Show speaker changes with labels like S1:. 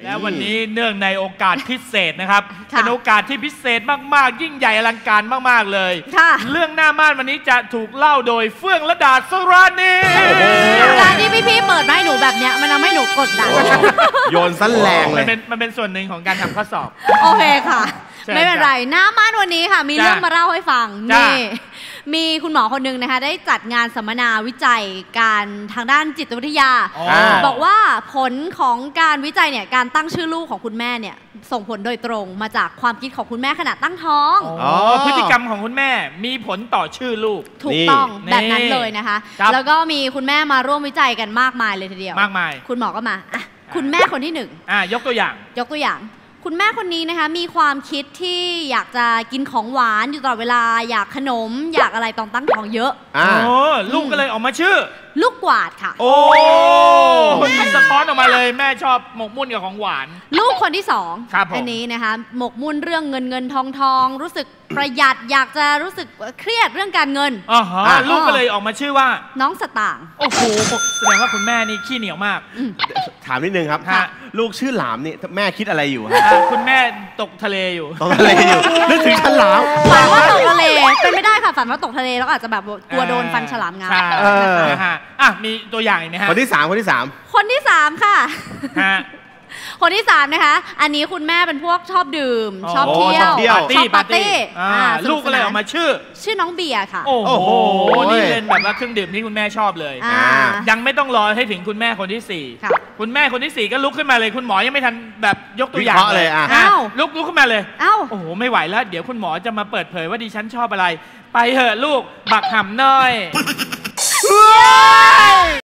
S1: แล้ววันนี้เนื่องในโอกาสพิเศษนะครับเป็นโอกาสที่พิเศษมากๆยิ่งใหญ่อลังการมากๆเลยเรื่องหน้าม่านวันนี้จะถูกเล่าโดยเฟื่องระดาสราณี
S2: การที่พี่ๆเปิดมาให้หนูแบบเนี้ยมันทำให้หนูกดดัน
S3: โยนสั้นแรงเลย
S1: มันเป็นส่วนหนึ่งของการทำข้อสอบ
S2: โอเคค่ะไม่เป็นไรหน้าม่านวันนี้ค่ะมีเรื่องมาเล่าให้ฟังนี่มีคุณหมอคนหนึ่งนะคะได้จัดงานสัมมนาวิจัยการทางด้านจิตวิทยาบอกว่าผลของการวิจัยเนี่ยการตั้งชื่อลูกของคุณแม่เนี่ยส่งผลโดยตรงมาจากความคิดของคุณแม่ขณะตั้งท้อง
S1: พฤติกรรมของคุณแม่มีผลต่อชื่อลูก
S2: ถูกต้องแบบนั้นเลยนะคะแล้วก็มีคุณแม่มาร่วมวิจัยกันมากมายเลยทีเดียว
S1: มากมาย
S2: คุณหมอก็มาคุณแม่คนที่1
S1: ยกตัวอย่าง
S2: คุณแม่คนนี้นะคะมีความคิดที่อยากจะกินของหวานอยู่ตลอดเวลาอยากขนมอยากอะไรตอนตั้งท้องเยอะ
S1: ลูกก็เลยออกมาชื่อ
S2: ลูกกวาดค่ะ
S1: โอ้มันสะท้อนออกมาเลยแม่ชอบหมกมุ่นกับของหวาน
S2: ลูกคนที่2อันนี้นะคะหมกมุ่นเรื่องเงินทองรู้สึกประหยัดอยากจะรู้สึกเครียดเรื่องการเงิน
S1: ลูกก็เลยออกมาชื่อว่า
S2: น้องสตางค์
S1: โอ้โหแสดงว่าคุณแม่นี่ขี้เหนียวมาก
S3: ถามนิดนึงครับลูกชื่อหลามนี่แม่คิดอะไรอยู่
S1: คุณแม่ตกทะเลอยู่
S3: นึกถึงฉลาม
S2: ฝันว่าตกทะเลเป็นไม่ได้ค่ะฝันว่าตกทะเลแล้วอาจจะแบบกลัวโดนฟันฉลามงับ
S1: มีตัวอย่างไหมฮะ
S3: คนที่3
S2: ค่ะคนที่3นะคะอันนี้คุณแม่เป็นพวกชอบดื่มชอบเที่ยว
S1: ชอบปาร์ตี้ลูกก็เลยออกมาชื่
S2: อน้องเบียร์ค่ะ
S1: โอ้โหนี่เป็นแบบว่าเครื่องดื่มที่คุณแม่ชอบเลยยังไม่ต้องรอให้ถึงคุณแม่คนที่4คุณแม่คนที่4ก็ลุกขึ้นมาเลยคุณหมอยังไม่ทันแบบยกตัวอย่าง
S3: เลย
S1: ลุกขึ้นมาเลยโอ้โหไม่ไหวแล้วเดี๋ยวคุณหมอจะมาเปิดเผยว่าดิฉันชอบอะไรไปเถอะลูกบักหำน้อย